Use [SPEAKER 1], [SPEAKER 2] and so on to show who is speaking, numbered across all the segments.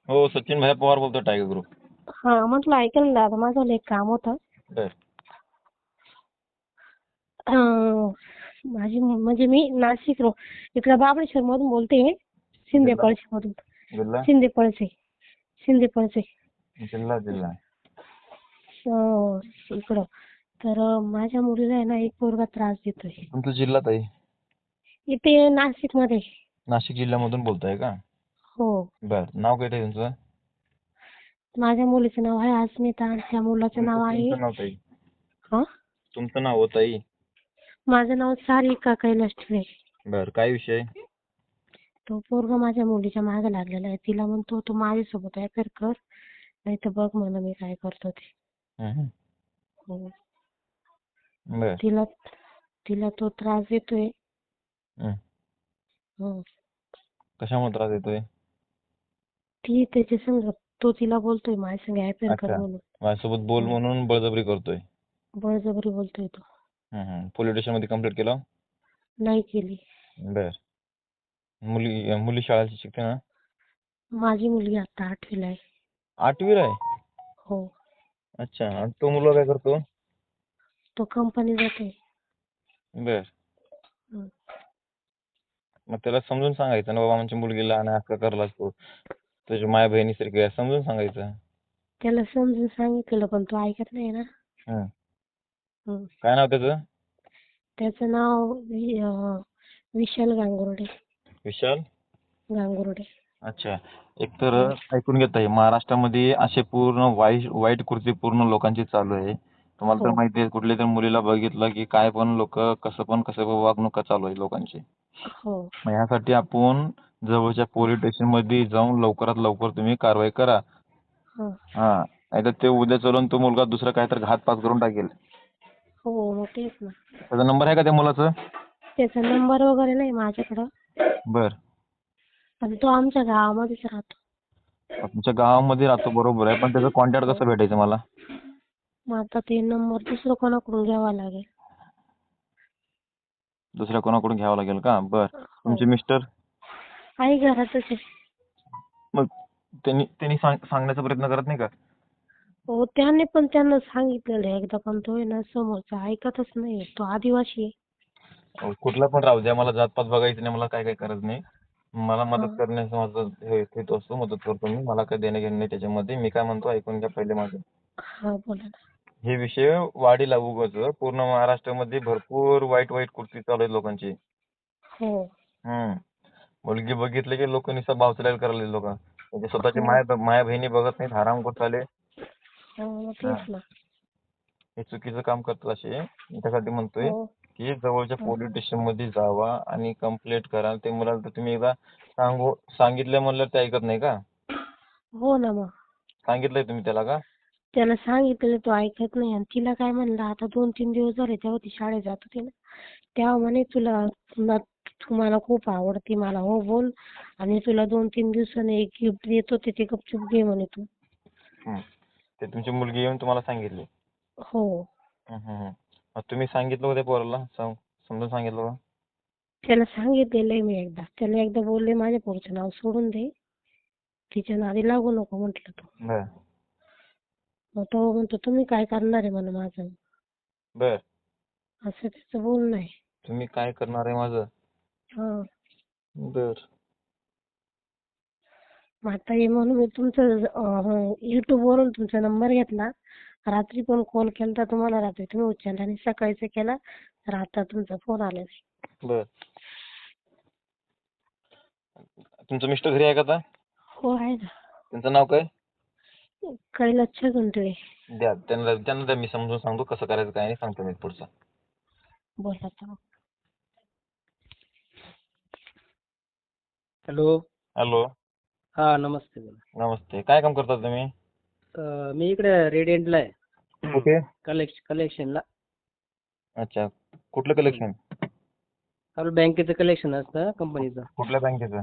[SPEAKER 1] हो, सचिन भाई पवार बोलतोय टायगर ग्रुप.
[SPEAKER 2] हा म्हटलं ऐका ना दादा, माझं एक काम होतं.
[SPEAKER 1] बर.
[SPEAKER 2] माझी म्हणजे मी नाशिक इकडं बाबळेश्वर मधून बोलते, शिंदे
[SPEAKER 1] जिल्हा
[SPEAKER 2] पळशी मधून.
[SPEAKER 1] जिल्हा
[SPEAKER 2] शिंदे पळसे. शिंदे पळसे.
[SPEAKER 1] जिल्हा जिल्हा
[SPEAKER 2] इकडं. तर माझ्या मुलीला आहे ना, एक पोरगा त्रास देतोय.
[SPEAKER 1] तुमचा जिल्हा ताई?
[SPEAKER 2] इथे नाशिक मध्ये.
[SPEAKER 1] नाशिक जिल्ह्यामधून बोलताय का?
[SPEAKER 2] हो.
[SPEAKER 1] बर. नाव काय ताई तुमचं?
[SPEAKER 2] माझ्या मुलीचं नाव आहे अस्मिता आणि त्या मुलाचं नाव आहे.
[SPEAKER 1] तुमचं नाव ताई?
[SPEAKER 2] हा,
[SPEAKER 1] तुमचं नाव हो ताई?
[SPEAKER 2] माझं नाव सारिका कैलास ठिळे.
[SPEAKER 1] बर. काय विषय?
[SPEAKER 2] तो पोरगा माझ्या मुलीच्या मागे लागलेला आहे. तिला म्हणतो तू माझ्यासोबत अफेअर कर, नाही तर बघ म्हणा मी काय करतो ते.
[SPEAKER 1] हम्म.
[SPEAKER 2] हो.
[SPEAKER 1] बर.
[SPEAKER 2] तिला तिला तो त्रास देतोय.
[SPEAKER 1] हम्म.
[SPEAKER 2] हो.
[SPEAKER 1] कशामुळे त्रास देतोय?
[SPEAKER 2] ती त्याच्या संग, तो तिला बोलतोय माझ्या संग अफेअर कर
[SPEAKER 1] अच्छा.
[SPEAKER 2] म्हणून.
[SPEAKER 1] माझ्यासोबत बोल
[SPEAKER 2] हो.
[SPEAKER 1] म्हणून बळजबरी करतोय.
[SPEAKER 2] बळजबरी बोलतोय तो.
[SPEAKER 1] पोलीस स्टेशन मध्ये कंप्लेंट केलं?
[SPEAKER 2] नाही केली.
[SPEAKER 1] बर. मुली शाळा शिकते ना?
[SPEAKER 2] माझी मुलगी आता 8वीला आहे.
[SPEAKER 1] 8वीला आहे?
[SPEAKER 2] हो.
[SPEAKER 1] अच्छा. आणि तो मुलगा काय करतो?
[SPEAKER 2] तो कंपनी जातोय.
[SPEAKER 1] बर.
[SPEAKER 2] हं.
[SPEAKER 1] मग त्याला समजून सांगायचं ना, बाबा आमची मुलगी लहान आहे, असं करायला असतो, तुझ्या माया बहिणीसारखी आहे, समजून सांगायचं.
[SPEAKER 2] त्याला समजून सांगितलं पण तो ऐकत नाही ना.
[SPEAKER 1] हं.
[SPEAKER 2] हं.
[SPEAKER 1] काय नाव त्याचं?
[SPEAKER 2] त्याचं नाव विशाल गांगुर्डे.
[SPEAKER 1] विशाल
[SPEAKER 2] गांगुर्डे.
[SPEAKER 1] अच्छा. एक तर ऐकून घेत आहे, महाराष्ट्रामध्ये असे पूर्ण वाईट कृती पूर्ण लोकांची चालू आहे. तुम्हाला तर
[SPEAKER 2] हो.
[SPEAKER 1] माहिती आहे, कुठल्या तर मुलीला बघितलं की काय पण लोक कसं पण वागणूक चालू आहे लोकांची.
[SPEAKER 2] हो.
[SPEAKER 1] मग ह्यासाठी आपण जवळच्या पोलीस स्टेशन मध्ये जाऊन लवकरात लवकर तुम्ही कारवाई करा.
[SPEAKER 2] हं.
[SPEAKER 1] हा. नाहीतर ते उद्या चलून तो मुलगा दुसरा काहीतरी घातपात करून टाकेल.
[SPEAKER 2] हो, मग तेच ना.
[SPEAKER 1] त्याचा नंबर आहे का त्या मुलाचा?
[SPEAKER 2] त्याचा नंबर वगैरे नाही माझ्याकडं.
[SPEAKER 1] बर.
[SPEAKER 2] पण तो आमच्या गावामध्येच राहतो.
[SPEAKER 1] तुमच्या गावामध्ये राहतो बरोबर आहे, पण त्याचा कॉन्टॅक्ट
[SPEAKER 2] हो.
[SPEAKER 1] कसं भेटायचं मला?
[SPEAKER 2] मग आता ते नंबर दुसरं कोणाकडून घ्यावा लागेल.
[SPEAKER 1] दुसऱ्या कोणाकडून घ्यावं लागेल का? बर.
[SPEAKER 2] हो.
[SPEAKER 1] तुमचे मिस्टर?
[SPEAKER 2] आई घरातच आहे.
[SPEAKER 1] मग त्यांनी सांगण्याचा प्रयत्न करत नाही का?
[SPEAKER 2] हो, त्यांना सांगितलेलं आहे एकदा, पण तो आहे ना समोरचा ऐकतच नाही. तो आदिवासी आहे.
[SPEAKER 1] कुठला पण राहू द्या, मला जातपात बघायचं नाही, मला काय करायचं नाही. मला
[SPEAKER 2] हा.
[SPEAKER 1] मदत करण्याचं माझं हे हेतू असतो, मदत करतो मी. मला काय देणं घेणं नाही त्याच्यामध्ये. मी काय म्हणतो ऐकून घ्या पहिले माझं.
[SPEAKER 2] हा, बोला ना.
[SPEAKER 1] हे विषय वाढीला उगाच पूर्ण महाराष्ट्रामध्ये भरपूर वाईट कृती चालू आहेत लोकांची.
[SPEAKER 2] हो.
[SPEAKER 1] मुलगी बघितली की लोक नुसतं भावचलायला करायला लोक. म्हणजे स्वतःची
[SPEAKER 2] हो.
[SPEAKER 1] माया बहिणी बघत नाहीत, हरामखोर चाले.
[SPEAKER 2] हो,
[SPEAKER 1] हा.
[SPEAKER 2] तेच ना.
[SPEAKER 1] हे चुकीचं काम करतात असे. मी त्यासाठी म्हणतोय
[SPEAKER 2] हो.
[SPEAKER 1] की जवळच्या
[SPEAKER 2] हो.
[SPEAKER 1] पोलीस स्टेशन मध्ये जावा आणि कंप्लेंट करा. ते मुलाला तर तुम्ही एकदा सांगितलं म्हणलं ते ऐकत नाही का?
[SPEAKER 2] हो ना. मग
[SPEAKER 1] सांगितलंय तुम्ही त्याला का?
[SPEAKER 2] त्याला सांगितलं, तो ऐकत नाही. आणि तिला काय म्हणलं, आता 2-3 दिवस झाले तेव्हा ती शाळेत जात होती ना, तेव्हा म्हणे तुम्हाला खूप आवडते मला, हो बोल, आणि तुला 2-3 दिवसांनी एक गिफ्ट देतो, ते गपचूप घे म्हणे तू.
[SPEAKER 1] ते तुमची मुलगी येऊन तुम्हाला सांगितली?
[SPEAKER 2] हो.
[SPEAKER 1] मग तुम्ही सांगितलं होतं पोराला? समजून सांगितलं का?
[SPEAKER 2] त्याला सांगितलेलं आहे मी एकदा. त्याला एकदा बोलले माझ्या पोरीचं नाव सोडून दे, तिच्या नादी लागू नको म्हटलं तू.
[SPEAKER 1] बर.
[SPEAKER 2] मग तो म्हणतो तुम्ही काय करणार आहे म्हणून माझं,
[SPEAKER 1] बर.
[SPEAKER 2] असं त्याचं बोलणं आहे.
[SPEAKER 1] तुम्ही काय करणार आहे माझं?
[SPEAKER 2] हा.
[SPEAKER 1] बर.
[SPEAKER 2] मग आता हे म्हणून मी तुमचं युट्यूब वरून तुमचा नंबर घेतला. रात्री पण कॉल केलता तुम्हाला, रात्री तुम्ही उचलला आणि सकाळीच केला, तर आता तुमचा फोन आला.
[SPEAKER 1] बर. तुमचं मिस्टर घरी आहे का आता?
[SPEAKER 2] हो, आहे ना.
[SPEAKER 1] त्यांचं नाव काय?
[SPEAKER 2] कैलास छगन.
[SPEAKER 1] द्या त्यांना द्या, मी समजून सांगतो कसं करायचं काय नाही, सांगतो मी पुढचं.
[SPEAKER 2] बोला आता.
[SPEAKER 3] हॅलो.
[SPEAKER 1] हॅलो.
[SPEAKER 3] हा, नमस्ते. बोला.
[SPEAKER 1] नमस्ते. काय काम करता तुम्ही?
[SPEAKER 3] मी इकडे रेडियंटला आहे.
[SPEAKER 1] कुठे?
[SPEAKER 3] कलेक्शनला.
[SPEAKER 1] अच्छा. कुठलं कलेक्शन?
[SPEAKER 3] आपलं बँकेचं कलेक्शन असतं कंपनीचं.
[SPEAKER 1] कुठल्या बँकेचं?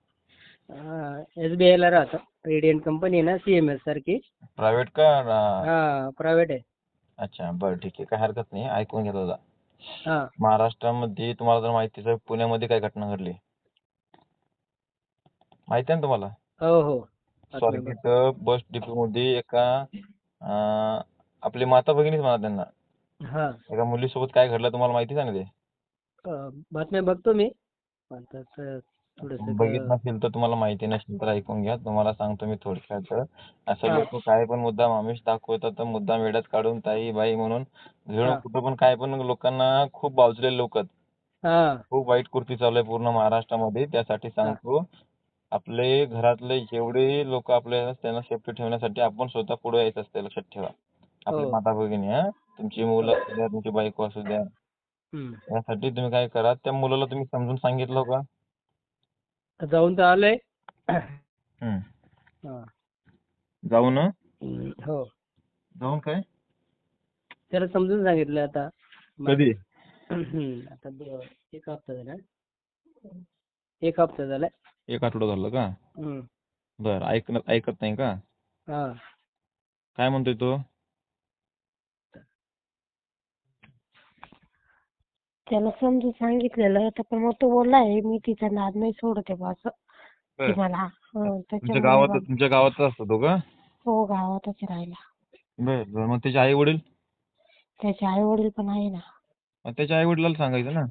[SPEAKER 3] SBI ला राहतं. रेडियंट कंपनी आहे ना, CMS सारखी.
[SPEAKER 1] प्रायव्हेट का?
[SPEAKER 3] हा, प्रायव्हेट आहे.
[SPEAKER 1] अच्छा, बरं ठीक आहे, काय हरकत नाही. ऐकून घ्या दादा.
[SPEAKER 3] हा.
[SPEAKER 1] महाराष्ट्रामध्ये तुम्हाला जर माहितीच आहे, पुण्यामध्ये काय घटना घडली माहिती आहे ना तुम्हाला?
[SPEAKER 3] हो. बातम्या
[SPEAKER 1] स्वारगेट बस डिपो मध्ये एका आपली माता भगिनीच म्हणा त्यांना,
[SPEAKER 3] हा
[SPEAKER 1] एका मुलीसोबत काय घडलं तुम्हाला माहिती आहे ना ते?
[SPEAKER 3] बातम्या बघतो मी. आता थोडस
[SPEAKER 1] बघितलं नसेल तर तुम्हाला माहिती नसेल तर ऐकून घ्या. तुम्हाला सांगतो मी थोडक्यात. असं
[SPEAKER 3] हा
[SPEAKER 1] लोक काय पण मुद्दाम आमिष दाखवतात तर मुद्दाम वेड्यात काढून ताई बाई म्हणून घेऊन
[SPEAKER 3] हा
[SPEAKER 1] कुठं पण काय पण लोकांना खूप बावचलेले लोक आहेत.
[SPEAKER 3] हा
[SPEAKER 1] खूप वाईट कृती चालू आहे पूर्ण महाराष्ट्रामध्ये. त्यासाठी
[SPEAKER 3] हा
[SPEAKER 1] सांगतो आपले घरातले जेवढे लोक आपल्या त्यांना सेफ्टी ठेवण्यासाठी आपण स्वतः पुढे यायचं असते, लक्षात ठेवा. आपली
[SPEAKER 3] हो
[SPEAKER 1] माता भगिनी तुमची मुलं असू द्या, तुमची बायको असू द्या,
[SPEAKER 3] हम्म.
[SPEAKER 1] यासाठी तुम्ही काय करा, त्या मुलाला तुम्ही समजून सांगितलं का?
[SPEAKER 3] जाऊन तर आलोय.
[SPEAKER 1] हम्म.
[SPEAKER 3] हा.
[SPEAKER 1] जाऊन
[SPEAKER 3] हो
[SPEAKER 1] जाऊन काय
[SPEAKER 3] त्याला समजून सांगितलं आता.
[SPEAKER 1] कधी?
[SPEAKER 3] आता एक हप्ता झाला. एक हप्ता झालाय.
[SPEAKER 1] एक आठवडा झालं का?
[SPEAKER 3] हम्म.
[SPEAKER 1] बर, ऐकत नाही का?
[SPEAKER 3] हा
[SPEAKER 1] काय म्हणतोय तो?
[SPEAKER 2] त्याला समजून सांगितलेलं होतं पण मग तो बोललाय मी तिचा नाद नाही सोडत आहे बुवा असं की
[SPEAKER 1] बर.
[SPEAKER 2] मला
[SPEAKER 1] तुमच्या
[SPEAKER 2] त्याच्यामुळे
[SPEAKER 1] गावात तुमच्या गावातच असतो तो का?
[SPEAKER 2] हो गावातच राहिला.
[SPEAKER 1] बर बर, मग त्याचे आई वडील?
[SPEAKER 2] त्याचे आई वडील पण आहे ना.
[SPEAKER 1] त्याच्या आई वडिलाला सांगायचं ना.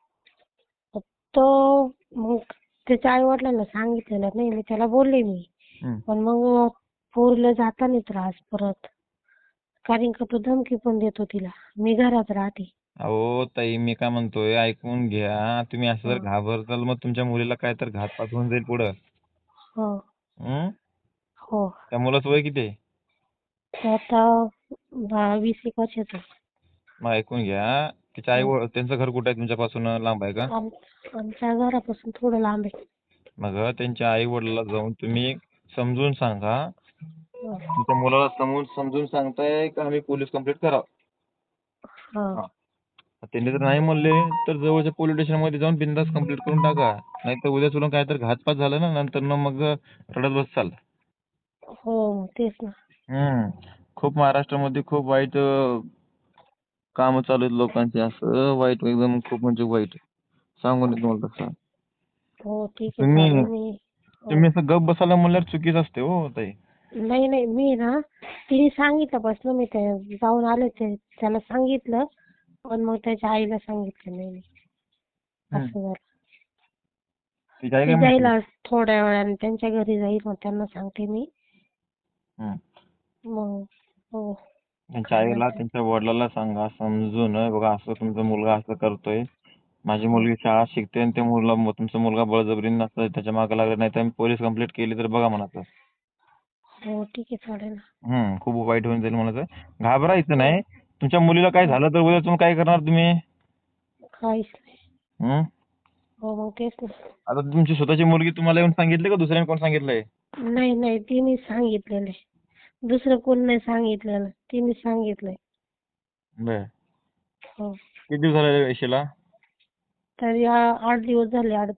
[SPEAKER 2] तो मग त्याच्या आई वडिलांना सांगितलेलं नाही मी त्याला बोलले मी.
[SPEAKER 1] हम्म.
[SPEAKER 2] पण मग पोरीला जाताना त्रास परत कारण का तो धमकी पण देतो तिला मी घरात राहते.
[SPEAKER 1] अहो ताई, मी काय म्हणतोय ऐकून घ्या. तुम्ही असं जर
[SPEAKER 2] हो
[SPEAKER 1] घाबरताल मग तुमच्या मुलीला काय तर घातपात होऊन जाईल पुढं.
[SPEAKER 2] हो
[SPEAKER 1] हम्म.
[SPEAKER 2] हो
[SPEAKER 1] त्या मुलाचं वय किती आहे?
[SPEAKER 2] तो आता 20-21 वर्षाचा.
[SPEAKER 1] मग ऐकून घ्या. तिच्या त्यांचं घर कुठे आहे तुमच्यापासून, लांब आहे का?
[SPEAKER 2] आमच्या घरापासून थोडं लांब आहे.
[SPEAKER 1] मग त्यांच्या आई वडिलाला जाऊन तुम्ही समजून सांगा.
[SPEAKER 2] हो.
[SPEAKER 1] तुमच्या मुलाला समजून सांगताय का आम्ही पोलीस कंप्लेंट करावं?
[SPEAKER 2] हो.
[SPEAKER 1] त्यांनी जर नाही म्हणले तर जवळच्या पोलीस स्टेशन मध्ये जाऊन बिनधास्त कंप्लेंट करून टाका. नाहीतर उद्या चलून काय तर घातपात झाला ना नंतर मग रडत बसचाल.
[SPEAKER 2] हो तेच ना.
[SPEAKER 1] खूप महाराष्ट्रामध्ये खूप वाईट काम चालू आहेत लोकांचे, असं वाईट एकदम खूप म्हणजे वाईट. सांगून येत तुम्हाला तसं.
[SPEAKER 2] हो ठीक आहे
[SPEAKER 1] तुम्ही
[SPEAKER 2] चालेल मी. हो.
[SPEAKER 1] तुम्ही असं गप बसायला म्हणल्यावर चुकीचं असते हो ताई.
[SPEAKER 2] नाही नाही मी ना तिने सांगितल्यापासून मी ते जाऊन आले त्याला सांगितलं पण मग त्याच्या आईला सांगितलं नाही मी. असं झालं.
[SPEAKER 1] ती काय
[SPEAKER 2] ती
[SPEAKER 1] म्हणते?
[SPEAKER 2] जाईल आज थोड्या वेळाने त्यांच्या घरी जाईल मग त्यांना सांगते मी. मग हो
[SPEAKER 1] त्यांच्या आईला त्यांच्या वडिलाला सांगा समजून, बघा असं तुमचा मुलगा असं करतोय, माझी मुलगी शाळा शिकते आणि तुमचा मुलगा बळजबरीने नसतं त्याच्या मागे लागला, नाही तर मी पोलीस कंप्लेंट केली तर बघा म्हणायचं.
[SPEAKER 2] हो ठीक आहे चालेल ना.
[SPEAKER 1] खूप वाईट होऊन जाईल म्हणायचं. घाबरायचं नाही. तुमच्या मुलीला काय झालं तर उद्या तुम्ही काय करणार तुम्ही?
[SPEAKER 2] काहीच नाही.
[SPEAKER 1] हं?
[SPEAKER 2] हो मग तेच ना.
[SPEAKER 1] आता तुमची स्वतःची मुलगी तुम्हाला येऊन सांगितली का दुसऱ्याने कोण सांगितलंय?
[SPEAKER 2] नाही नाही तिने सांगितलेलं आहे. दुसरं कोण नाही सांगितलेलं तिने सांगितलंय.
[SPEAKER 1] बर.
[SPEAKER 2] हो
[SPEAKER 1] किती दिवस झाले रेषेला?
[SPEAKER 2] तरी 8 दिवस झाले. 8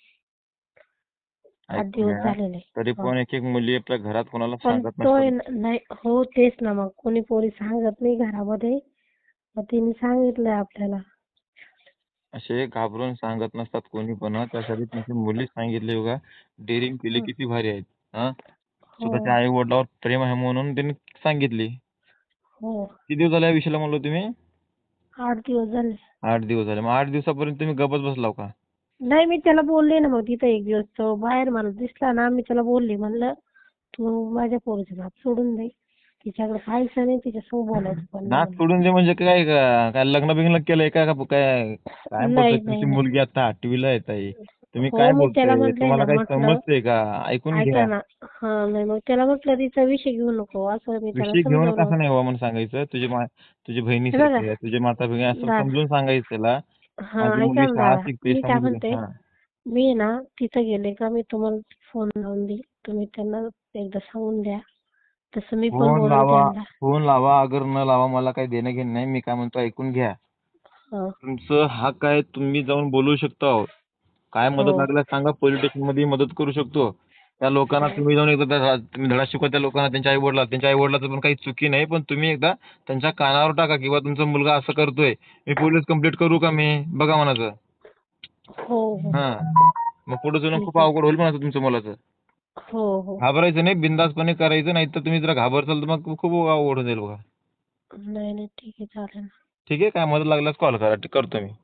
[SPEAKER 1] ऐकून
[SPEAKER 2] दिवस
[SPEAKER 1] घ्या.
[SPEAKER 2] झालेले.
[SPEAKER 1] तरी पण एक मुली आपल्या घरात कोणाला
[SPEAKER 2] पण
[SPEAKER 1] सांगत
[SPEAKER 2] तो
[SPEAKER 1] नसतात.
[SPEAKER 2] नाही हो तेच ना मग कोणी पोरी सांगत नाही घरामध्ये. मग तिने सांगितलंय आपल्याला.
[SPEAKER 1] असे घाबरून सांगत नसतात कोणी पण. त्यासाठी तुमची मुली सांगितली बघा. डेअरिंग केली, किती भारी आहेत. स्वतःच्या
[SPEAKER 2] हो
[SPEAKER 1] आई वडिलावर प्रेम आहे म्हणून त्यांनी सांगितली.
[SPEAKER 2] हो
[SPEAKER 1] किती दिवस झाले या विषयाला म्हणलो तुम्ही?
[SPEAKER 2] 8 दिवस झाले.
[SPEAKER 1] 8 दिवस झाले. मग 8 दिवसापर्यंत तुम्ही गप्पच बसलाव का?
[SPEAKER 2] नाही मी त्याला बोलले ना मग तिथं एक दिवस तो बाहेर मला दिसला ना मी त्याला बोलले म्हणलं तू माझ्या पोरीचं नाक सोडून दे. तिच्याकडे पाहायचं नाही तिच्यासोबत बोलायचं पण
[SPEAKER 1] नाक
[SPEAKER 2] नाही.
[SPEAKER 1] सोडून दे म्हणजे काय लग्न बिग्न केलंय का काय? काय बोलताय?
[SPEAKER 2] नाही
[SPEAKER 1] तुमची
[SPEAKER 2] नाही.
[SPEAKER 1] मुलगी आता 8वीला आहे ताई. तुम्ही
[SPEAKER 2] हो
[SPEAKER 1] काय
[SPEAKER 2] मी त्याला
[SPEAKER 1] बोलताय?
[SPEAKER 2] म्हटलंय
[SPEAKER 1] तुम्हाला
[SPEAKER 2] ना
[SPEAKER 1] काही
[SPEAKER 2] म्हटलं
[SPEAKER 1] समजतंय का? ऐकून
[SPEAKER 2] ऐका
[SPEAKER 1] घ्या.
[SPEAKER 2] ना. हा नाही मग त्याला म्हटलं तिचा विषय घेऊ नको असं मी त्याला
[SPEAKER 1] विषय घेऊन
[SPEAKER 2] समजावलं.
[SPEAKER 1] कसं नाही हो म्हणून सांगायचं. तुझी
[SPEAKER 2] हे
[SPEAKER 1] बहिणीसारखी
[SPEAKER 2] बघा
[SPEAKER 1] आहे, तुझी माता भगिनी असं
[SPEAKER 2] दादा
[SPEAKER 1] समजून सांगायचं त्याला.
[SPEAKER 2] हा
[SPEAKER 1] माझी
[SPEAKER 2] ऐका
[SPEAKER 1] मुलगी
[SPEAKER 2] ना
[SPEAKER 1] शाळा
[SPEAKER 2] दादा
[SPEAKER 1] शिकते
[SPEAKER 2] मी काय
[SPEAKER 1] समजून
[SPEAKER 2] म्हणते
[SPEAKER 1] घ्या.
[SPEAKER 2] मी आहे ना तिथं गेले का मी तुम्हाला फोन लावून देईल. तुम्ही त्यांना एकदा सांगून द्या. तसं मी पण बोलून त्यांना.
[SPEAKER 1] फोन लावा अगर न लावा मला काही देणं घेणं नाही. मी काय म्हणतो ऐकून घ्या.
[SPEAKER 2] हा.
[SPEAKER 1] तुमचं हक्क आहे, तुम्ही जाऊन बोलू शकता. काय मदत
[SPEAKER 2] हो
[SPEAKER 1] लागल्यास सांगा, पोलीस स्टेशन मध्ये मदत करू शकतो. त्या लोकांना तुम्ही जाऊन एकदा तुम्ही धडा शिकवा त्या लोकांना, त्यांच्या आई वडिलाचं पण काही चुकी नाही, पण तुम्ही एकदा त्यांच्या कानावर टाका किंवा तुमचा मुलगा असं करतोय, मी पोलीस कंप्लेंट करू का मी? बघा म्हणायचं.
[SPEAKER 2] हो हो
[SPEAKER 1] मग पुढे जाऊन खूप
[SPEAKER 2] ठीक आहे.
[SPEAKER 1] अवघड होईल म्हणायचं तुमच्या मुलाचं.
[SPEAKER 2] हो हो.
[SPEAKER 1] घाबरायचं नाही, बिनधास्तपणे करायचं, नाही तर तुम्ही जर घाबरसाल तर मग खूप अवघड होऊन जाईल बघा.
[SPEAKER 2] नाही नाही ठीक आहे चालेल.
[SPEAKER 1] ठीक आहे, काय मदत लागल्यास कॉल करा, करतो मी.